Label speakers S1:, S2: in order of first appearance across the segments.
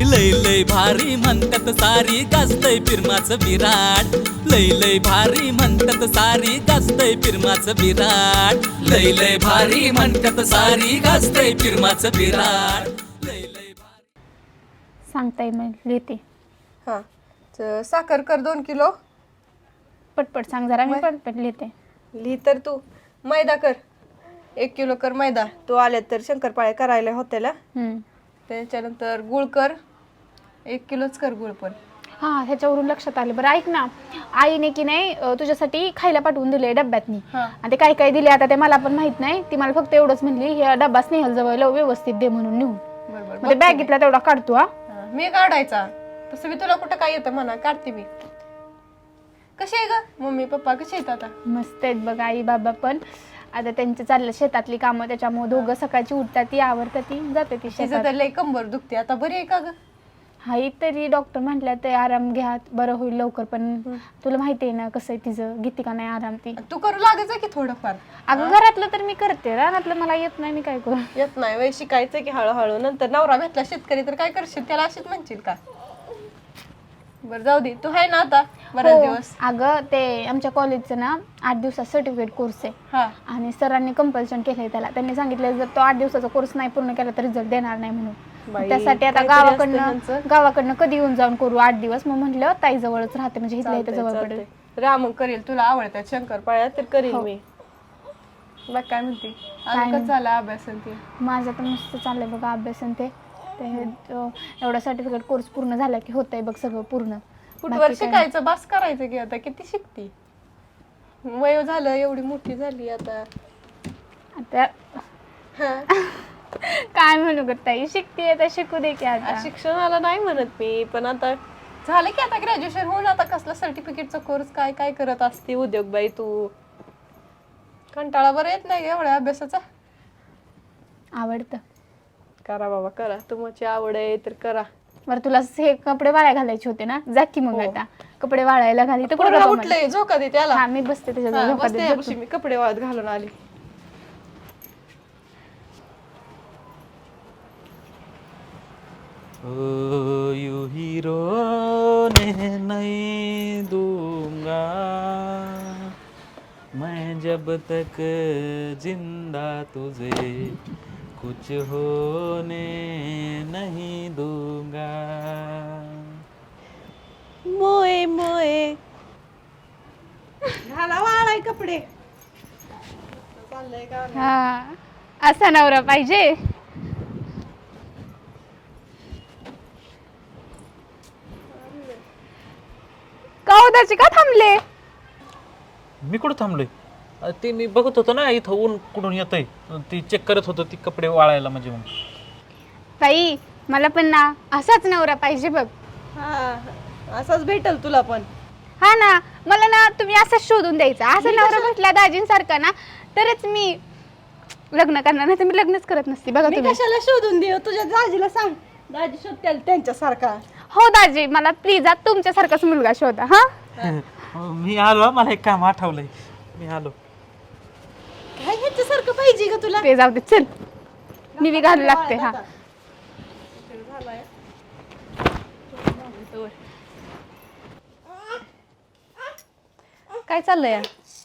S1: लय लय भारी म्हणतात सारी गाजतय फिरमाचं विराट लय लय भारी म्हणतात सारी गाजतय फिरमाचं विराट लय लय भारी म्हणतात सारी गाजतय फिरमाचं विराट लय लय भारी
S2: सांगताय मग लिहिते.
S3: हां साखर कर 2 किलो.
S2: पटपट सांग जरा, मी पटपट लिहिते.
S3: लिही तर तू. मैदा कर 1 किलो कर मैदा. तू आले तर शंकरपाळे करायला होत्याला. त्याच्यानंतर गुळ कर 1 किलोच कर गुळ पण.
S2: हा ह्याच्यावरून लक्षात आलं. बरं ऐक ना, आईने की नाही तुझ्यासाठी खायला पाठवून दिले डब्यातनी. आणि ते काय काय दिले आता ते मला पण माहित नाही. ती मला फक्त एवढंच म्हणली हे डब्बा स्नेहल जवळ व्यवस्थित दे म्हणून नेऊन.
S3: बरोबर
S2: बॅगेतला तेवढा काढतो. हा
S3: मी काढायचा तसं मी तुला कुठं काय येतं म्हणा, काढते मी. कशी आहे ग मम्मी पप्पा, कशी आहेत आता?
S2: मस्त आहेत बघ. आई बाबा पण आता त्यांचे चाललं शेतातली कामं, त्याच्यामुळे दोघं सकाळची उठतात ती आवरतात ती जाते ती
S3: तिचं
S2: शेतात.
S3: तर लय कंबर दुखते आता, बरी आहे का ग?
S2: हाई तरी डॉक्टर म्हटल्या ते आराम घ्या बरं होईल लवकर. पण तुला माहिती आहे ना कसं आहे तिचं, घेते का नाही आराम ती.
S3: तू करू लागायचं की थोडंफार.
S2: अगं घरातलं तर मी करते, रानातलं मला येत नाही, मी काय करू.
S3: येत नाही वय, शिकायचं की हळूहळू. नंतर नवरा भेटला शेतकरी तर काय करशील, त्याला अशीच म्हणशील का? बरं जाऊ दे, तू आहे ना आता बरेच दिवस.
S2: अगं ते आमच्या कॉलेजचं ना 8 दिवसाचा सर्टिफिकेट कोर्स आहे.
S3: हा
S2: आणि सरांनी कंपल्शन केलंय त्याला. त्यांनी सांगितलं जर तो 8 दिवसाचा कोर्स नाही पूर्ण केला तर रिझल्ट देणार नाही म्हणून. त्यासाठी आता गावाकडनं कधी येऊन जाऊन करू 8 दिवस. मग म्हटलं ताई जवळच राहते म्हणजे इथल्या इथं जवळ पडेल.
S3: राम करेल, तुला आवडतात शंकरपाळ्या तर करेल मी. बघ काय म्हणते, कसं झाला अभ्यास ते?
S2: माझं तर मस्त चाललंय बघा अभ्यास ते. एवढा सर्टिफिकेट कोर्स पूर्ण झाला की होतंय बघ सगळं पूर्ण.
S3: कुठवर शिकायचं, बस करायचं की. आता किती शिकती, वय झालं, एवढी मोठी झाली आता.
S2: काय म्हणू ग ताई, शिकते आता शिकू दे की. आता
S3: शिक्षणाला नाही म्हणत मी, पण आता झालं की आता ग्रॅज्युएशन होऊन आता कसला सर्टिफिकेटचा कोर्स काय काय करत असते उद्योग बाई तू. कंटाळा बरं येत नाही एवढ्या अभ्यासाचा?
S2: आवडतं.
S3: करा बाबा करा, तुमची आवड आहे तर करा.
S2: बरं तुला हे कपडे वाळायला घालायचे होते ना, जा की मग आता कपडे वाळायला घाली तर
S3: उठलंय झोका दे त्याला.
S2: हा मी बसते त्याच्या.
S3: मी कपडे वाळत घालून आली.
S1: ओ यू हीरो ने नहीं दूंगा मैं जब तक जिंदा तुझे कुछ होने नहीं दूंगा.
S3: मोये मोये घाला वाळाय कपडे.
S2: हा असा नवरा पाहिजे. कौदाचे का थांबले?
S4: मी कुठं थांबलोय? ते मी बघत होतो ना इथं ऊन कुठून येतंय, ती चेक करत होतो ती कपडे वाळायला. म्हणजे मग
S2: ताई मला पण ना असाच नवरा पाहिजे बघ.
S3: हा असाच भेटल तुला पण.
S2: हा ना, मला ना तुम्ही असंच शोधून द्यायचा. असा नवरा भेटला दाजींसारखा ना तरच मी लग्न करणार, नाही तर मी लग्नच करत नसते. बघा
S3: मी
S2: तुम्ही.
S3: कशाला शोधून देऊ, तुझ्या दाजीला सांग, दाजी शोधतील त्यांच्यासारखा.
S2: हो दाजी, मला प्लीज तुमच्यासारखाच मुलगा शोधा. हा
S4: मी आलो, मला एक काम आठवलंय, मी आलो.
S3: काय ह्याच्यासारखं पाहिजे का तुला?
S2: ते जाऊ दे, चल मी बी घालू लागते. हा
S3: काय चाललंय?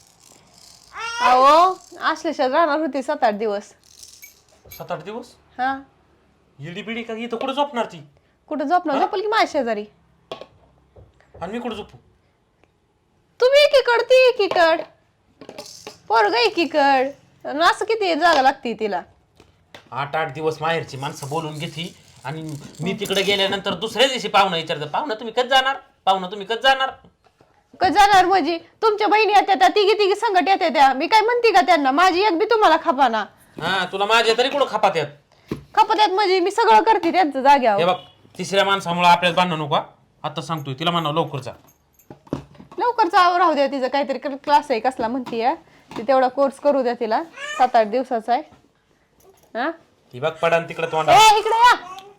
S3: अहो आश्लेषात राहणार होती 7-8 दिवस.
S4: 7-8 दिवस?
S3: हा
S4: इडी बिडी का इथं कुठं झोपणार ती?
S3: कुठं झोपणार? झोपल की माझ्या शेजारी.
S4: आणि मी कुठं झोपू?
S3: तुम्ही एकीकड ती एकीकड, पोरग एकीकड. असं किती जागा लागते तिला?
S4: 8-8 दिवस माहेरची माणसं बोलून घेती आणि मी तिकडे गेल्यानंतर दुसऱ्या दिवशी पाहुणं विचारतं, पाहुणं तुम्ही कधी जाणार? पाहुणं तुम्ही कधी जाणार?
S3: कधी जाणार म्हणजे? तुमच्या बहिणी येत्या त्या, तिघी संकट येत्या त्या. मी काय म्हणते का त्यांना? माझी एक बी तुम्हाला खपाना.
S4: हा तुला माझ्या तरी कुठं खपात येत?
S3: खपत येत म्हणजे मी सगळं करते त्यांचं जाग्यावर.
S4: हे बघ, तिसऱ्या माणसामुळे आपल्याला भांडण नको. आता सांगतोय तिला म्हणा लवकर जा.
S3: लवकर राहू द्या, तिचं काहीतरी क्लास आहे कसला म्हणतीये ती, तेवढा कोर्स करू द्या तिला. 7-8 दिवसाचा आहे. हा
S4: ती बघ पडान तिकडे तोंडा.
S3: ए इकडे या.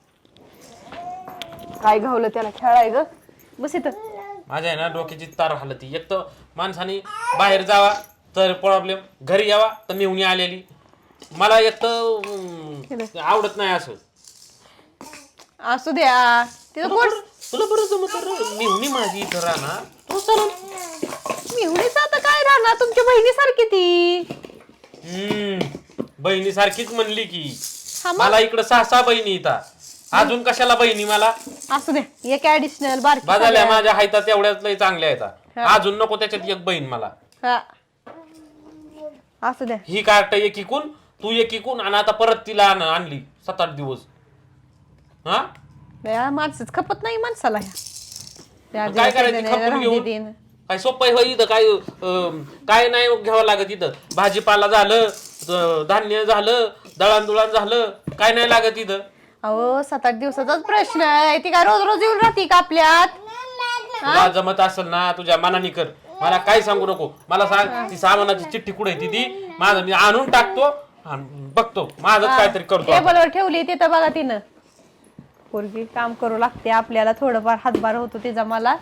S3: काय घावलं त्याला खेळाय ग? बस इथं.
S4: माझ्या आहे ना डोक्याची तार हलती. एक तर माणसाने बाहेर जावा तर प्रॉब्लेम, घरी यावा तर मेवणी आलेली. मला एक तर आवडत नाही असं.
S3: असू द्या तिथं
S4: तुला बरं जमत मेहुणी माझी इथं राहणार तू चालून
S3: मेहुणीच आता काय राहणार तुमच्या बहिणीसारखी ती.
S4: बहिणी सारखीच म्हणली की
S3: हा मग?
S4: मला इकडं 6 बहिणी इथं अजून कशाला बहिणी मला
S3: असू द्या एक ऍडिशनल बारकी
S4: बघाल्या माझ्या हायता तेवढ्याच लय चांगल्या आहेत अजून नको त्याच्यात एक बहीण मला.
S3: हा असू द्या.
S4: ही कार्ट एक इकून तू एक इकून आणि आता परत तिला आणली 7-8 दिवस. हा
S3: या माणसंच खपत नाही माणसाला ह्या.
S4: काय करायचं खपून घेऊन काय सोपं आहे इथं काय नाही घ्यावं लागत इथं. भाजीपाला झालं धान्य झालं दळणदुळण झालं काय नाही लागत इथं.
S3: अहो 7-8 दिवसाचाच प्रश्न आहे. ती काय रोज रोज येऊन राहते का आपल्यात.
S4: तुला जमत असेल ना तुझ्या मनाने कर मला काय सांगू नको. मला सांग ती सामानाची चिठ्ठी कुठे आहे ती माझं मी आणून टाकतो आणि बघतो माझं काहीतरी करतो.
S3: टेबलवर ठेवली तिथं बघा तिनं. पोरगी काम करू लागते आपल्याला थोडंफार हातभार होतो तिचा मला.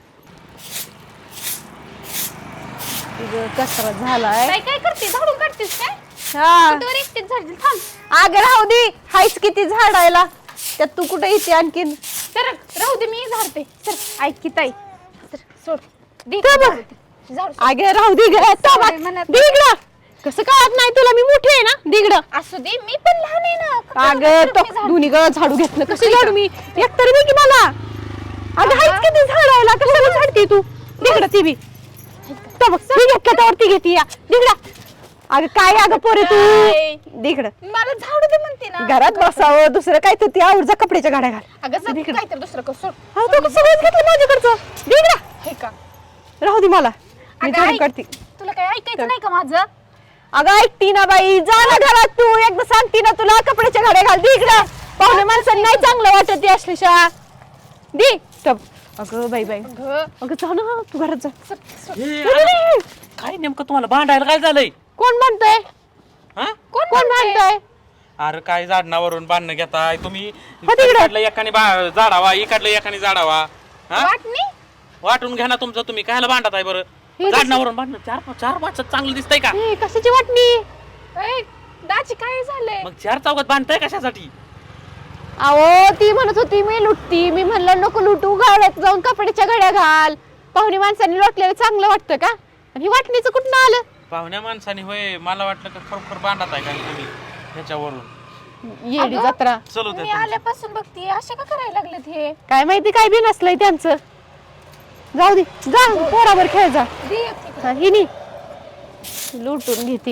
S3: कचरा झालाय.
S2: काय करते झाडून काढतेस काय
S3: हा
S2: वर एकटीच झाडली थांब.
S3: अगं राहू दे हायच किती झाडायला त्यात तू कुठे येते आणखीन.
S2: तर राहू दे मी झाडते सर. ऐक की ताई सर सोड दे
S3: तर बघ.
S2: झाडू
S3: अगं राहू दे दिगड कसं कळत नाही तुला मी मोठी आहे ना दिगड.
S2: असू दे मी पण लहान आहे ना.
S3: अगं तो दोन्ही गळ झाडू घेतलं कसं झाडू मी एकतरी दे की मला. अगं हायच किती झाडायला कशाला झाडते तू दिगड ती बी तो बघ मी घेतलं त्यावरती घेते या दिगड. अगं काय अगं पोरे तू दिगड
S2: मला झाडू दे म्हणते ना.
S3: घरात बसावं दुसरं काय तर ती आवडचा कपड्याच्या गाड्या घाल.
S2: अगं सर काय तर दुसरं कर सोड.
S3: हा तो सगळंच घेतलं माझ्याकडचं दिगड.
S2: हे का
S3: राहू दे मला मी
S2: अगं,
S3: झाडून
S2: ऐक.
S3: काढते.
S2: तुला काय ऐकायचं नाही का माझं.
S3: अगं ऐकती ना बाई जा ना घरात तू एकदा सांगती ना तुला कपड्याच्या गाड्या घाल दे इकडं. पाहुणे माणसांना नाही चांगलं वाटत ती असल्याशा दे टप. अगं बाई बाई अगं जा ना तू घरात जा.
S4: काय नेमकं तुम्हाला भांडायला काय झालंय.
S3: कोण म्हणतोय
S4: हा
S3: कोण म्हणतोय.
S4: अरे काय झाडणावरून बांधणं घेताय तुम्ही.
S3: हा, तिकडे.
S4: इकडलं एकाने झाडावा इकडलं एकाने झाडावा. हा
S2: वाटणी
S4: वाटून घ्या ना तुमचं तुम्ही कायला भांडत आहे बरं. झाडणावरून बांधणं चार माणसात चांगलं दिसतंय का.
S3: हे कशाची वाटणी.
S2: ए, दाजी काय झालंय.
S4: मग 4 चौकात बांधताय कशासाठी.
S3: अहो ती म्हणत होती मी लुटती मी म्हणलं नको लुटू गाड्यात जाऊन कपड्याच्या घड्या घाल. पाहुणे माणसांनी लोटलेलं चांगलं वाटतं का आणि ही वाटणीचं कुठं आलं.
S4: पाहुण्या माणसाने होय मला वाटलं का खरोखर बांधत आहे का तुम्ही ह्याच्यावरून.
S3: येडी जत्रा
S4: चलो
S2: मी आल्यापासून बघते असे का करायला लागलेत हे.
S3: काय माहिती काय बी नसलंय त्यांचं. जाऊ दे जा पोरावर खेळ जा.
S2: दे एक तिकडे.
S3: हा, हिनी लुटून घेते.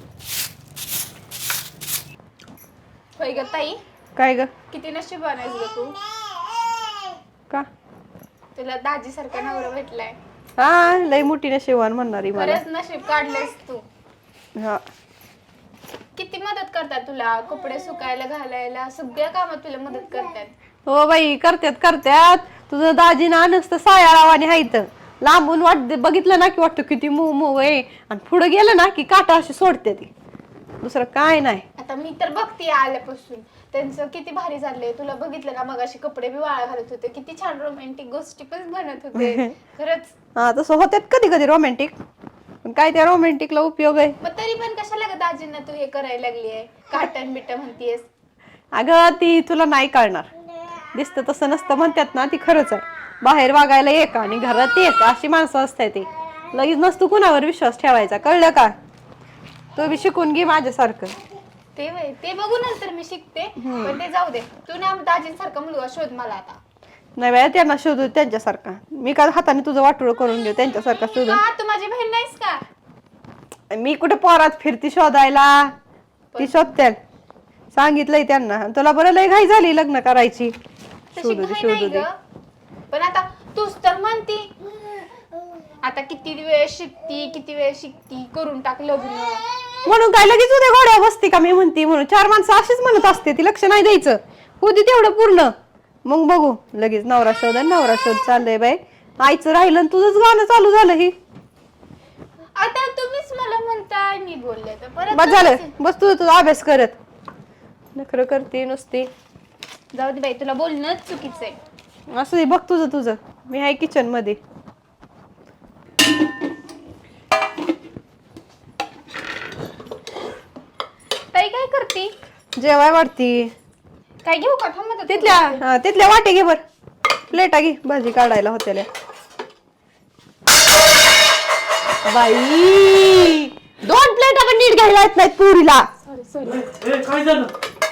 S2: होय ग ताई
S3: काय ग
S2: किती नशीबवान आहेस ग तू.
S3: का
S2: तुला दाजी सारखा नवरा भेटलाय.
S3: हा लय मोठी नशिबवान म्हणणारी मला.
S2: खरंच नशीब काढलेस तू.
S3: हा
S2: किती मदत करतात तुला कपडे सुकायला घालायला सगळ्या कामात तुला मदत करतात.
S3: हो बाई करत्यात तुझं दाजी ना नसतं सायाळावाने हायत लांबून बघितलं ना की वाटतं किती मऊ मऊ आहे आणि पुढे गेलं ना की काटा अशी सोडते ती दुसरं काय नाही.
S2: आता मी तर बघते आल्यापासून त्यांचं किती भारी चाललंय. तुला बघितलं ना मग अशी कपडे बी वाळा घालत होते किती छान रोमॅन्टिक गोष्टी पण बनत होते खरंच.
S3: हा तसं होत्यात कधी कधी रोमॅन्टिक पण काय त्या रोमॅन्टिकला उपयोग आहे.
S2: मग तरी पण कशाला ग दाजींना तू हे करायला लागली आहे काटन बिट म्हणतीयस.
S3: अगं ती तुला नाही कळणार दिसतं तसं नसतं म्हणतात ना ती खरंच आहे. बाहेर वागायला एक आणि घरात एक अशी माणसं असतात ती लगेच नसतो कुणावर विश्वास ठेवायचा कळलं का. तू बी शिकून घे माझ्यासारखं.
S2: ते बघू नंतर मी शिकते पण ते जाऊ दे. तू ना दाजींसारखा मुलगा शोध मला आता.
S3: नाही बाय त्यांना शोधू त्यांच्यासारखा मी का हाताने तुझं वाटोळं करून घेऊ त्यांच्यासारखा शोधून.
S2: का तू माझी बहीण नाहीस का.
S3: मी कुठे पोरात फिरती शोधायला ती शोधत्यात सांगितलंय त्यांना. तुला बरं लय घाई झाली लग्न करायची.
S2: तशी
S3: शोधू दे
S2: घाई
S3: शोधू
S2: नाही
S3: दे.
S2: ग. पण आता तूच तर म्हणती आता किती वेळ शिकती करून टाक लग्न.
S3: म्हणून काय लगेच उद्या घोड्या बसते का मी म्हणते म्हणून 4 माणसं अशीच म्हणत असते ती लक्ष नाही द्यायचं. होती तेवढं पूर्ण मग बघू लगेच नवरा शोध चाललंय बाई. आईचं राहिलं तुझंच गाणं चालू झालं ही.
S2: आता तुम्हीच मला म्हणताय मी बोलले तर परत
S3: बस झालं बस तुझा अभ्यास करत नखरं करते नुसती.
S2: जाऊ दे बाई तुला बोलणं चुकीचं आहे.
S3: असं दे बघ तुझं मी आहे किचन मध्ये.
S2: ताई काय करती.
S3: जेवाय वाटती.
S2: काय घेऊ का थांब आता.
S3: तिथल्या वाटे घे बर, प्लेटा घे भाजी काढायला होत्याला. बाई 2 प्लेटा पण नीट घ्यायला येत नाहीत पुरीला.
S4: काय झालं?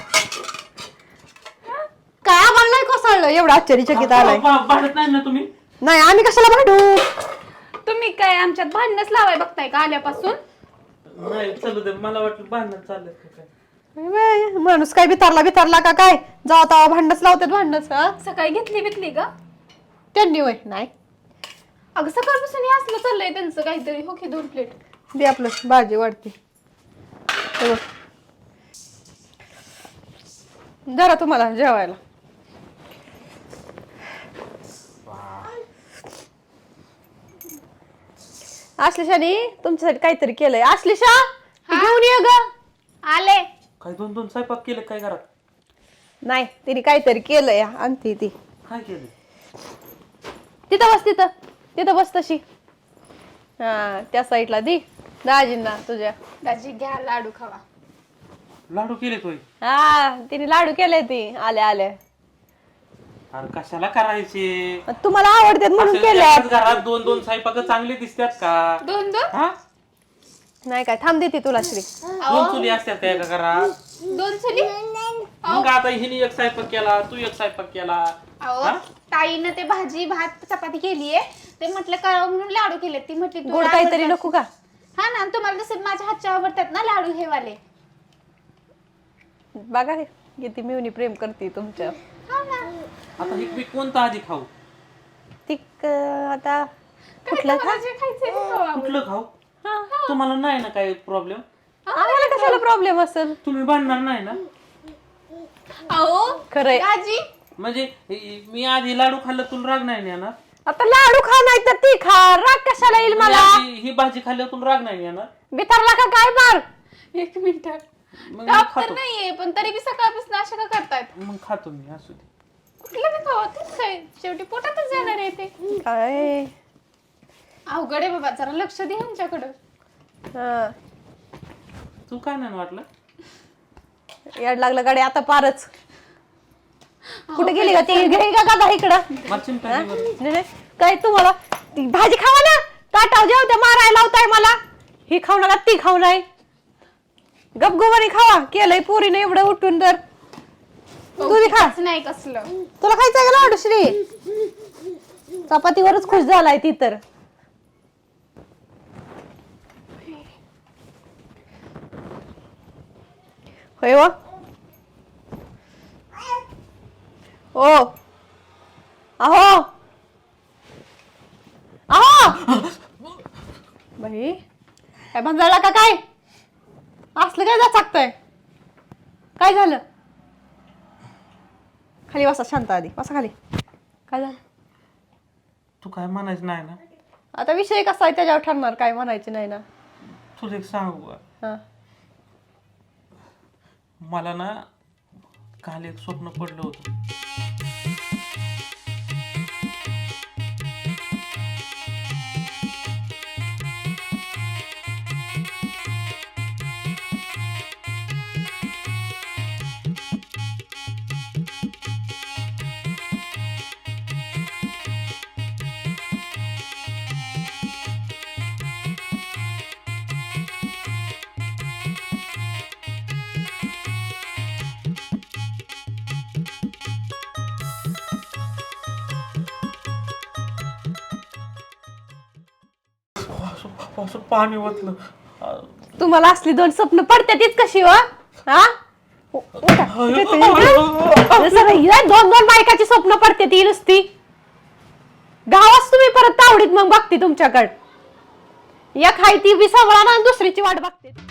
S3: काय आम्हाला नाही कोसळलं, एवढं आश्चर्यचकित आलाय.
S4: भांडत नाही ना तुम्ही?
S3: नाही आम्ही कशाला भांडू.
S2: तुम्ही काय आमच्यात भांडणच लावाय बघताय का आल्यापासून?
S4: नाही चालू दे, मला वाटलं भांडण चाललंय काय.
S3: माणूस काय बितारला का काय, जावा तावा भांडणच लावतात भांडणच.
S2: सकाळी घेतली का
S3: त्यांनी वय नाही.
S2: अगं सकाळपासून हे असलं चाललंय त्यांचं काहीतरी. हो की 2 प्लेट
S3: दे आपलं भाजी वाढते. जरा तुम्हाला जेवायला. आश्लेषाने तुमच्यासाठी काहीतरी केलंय. आश्लेषा घेऊन ये ग.
S2: आले.
S4: काय 2 स्वयंपाक केलं काय घरात?
S3: नाही तिने काहीतरी केलंय, आणते ती.
S4: काय केलं?
S3: तिथं बस तशी. हा त्या साईडला दी दाजींना तुझ्या.
S2: दाजी घ्या लाडू खावा.
S4: लाडू केले तोय?
S3: हा तिने लाडू केले ती आल्या.
S4: अरे कशाला करायचे?
S3: तुम्हाला आवडतात म्हणून केले.
S4: घरात 2 स्वयंपाक चांगले दिसतात का?
S2: 2
S4: हा?
S3: नाही काय थांब देते तुला श्री.
S4: 2 चुली असतात का एका घरात?
S2: 2 चुली.
S4: मग आता हिने एक स्वयंपाक केला, तू एक स्वयंपाक केला.
S2: अहो ताईनं ते भाजी भात चपाती केलीये, ते म्हटलं करावं म्हणून लाडू केले. ती म्हटली
S3: गोड काहीतरी नको का?
S2: हा ना, तुम्हाला जसं माझ्या हातच्या आवडतात ना लाडू हे वाले.
S3: बघा हे किती मिवनी प्रेम करते तुमच्या.
S4: आता हे मी कोणता आधी खाऊ?
S3: ती आता कुठलं खा?
S4: कुठलं खाऊ? तुम्हाला नाही ना काही प्रॉब्लेम?
S3: आम्हाला कशाला प्रॉब्लेम असेल?
S4: तुम्ही भांडणार नाही ना?
S2: अहो
S3: खरंय.
S2: दाजी
S4: म्हणजे मी आधी लाडू खाल्लं तुला राग नाही येणार?
S3: आता लाडू खा नाही तर ती खा, राग कशाला येईल मला?
S4: ही भाजी खाल्ल्यावर तुला राग नाही येणार?
S3: बितारला का काय मार?
S2: 1 मिनिट.
S4: मग मी
S2: ताप तर
S4: खातो.
S2: नाहीये पण तरी बी सकाळपासून अशा का करतायत?
S4: मग खातो मी, असू दे.
S2: कुठलं बी खावं तेच काय, शेवटी पोटातच जाणार आहे ते.
S3: काय
S2: अवघड आहे बाबा, जरा लक्ष दे ह्यांच्याकडं.
S3: हा,
S4: तू काय नाही वाटलं?
S3: याड लागलं गाडी आता पारच. कुठे गेली का ती? घे का गादा इकडं.
S4: मला चिंता नाही बरं.
S3: नाही, नाही. काय तुम्हाला ती भाजी खावा ना, ताटाव जेवते मारायला लावताय मला. ही खाऊ नका ती खाऊ नाही, गपगुमानी खावा. केलंय पोरीने एवढं उठून तर. तू बी खा.
S2: नाही कसलं.
S3: तुला खायचंय का लाडू श्री? चपातीवरच खुश झालाय ती तर. होय व ओ अहो बाई काय भांजायला का काय? असलं काय जाचकतंय? काय झालं? खाली बसा शांत, आधी बसा खाली. काय झालं?
S4: तू काय म्हणायचं नाही ना?
S3: आता विषय कसा आहे त्याच्यावर ठरणार, काय म्हणायचं नाही ना.
S4: तुला एक सांगू का?
S3: हा.
S4: मला ना काल एक स्वप्न पडलं होतं. असं पाणी ओतलं.
S3: तुम्हाला असली 2 स्वप्न पडतात कशी व? हा? दोन बायकाची स्वप्न पडते ती नुसती. गावात तुम्ही परत तावडीत मग बघते तुमच्याकडे. एक हाय ती बी सांभाळा ना, दुसरीची वाट बघते.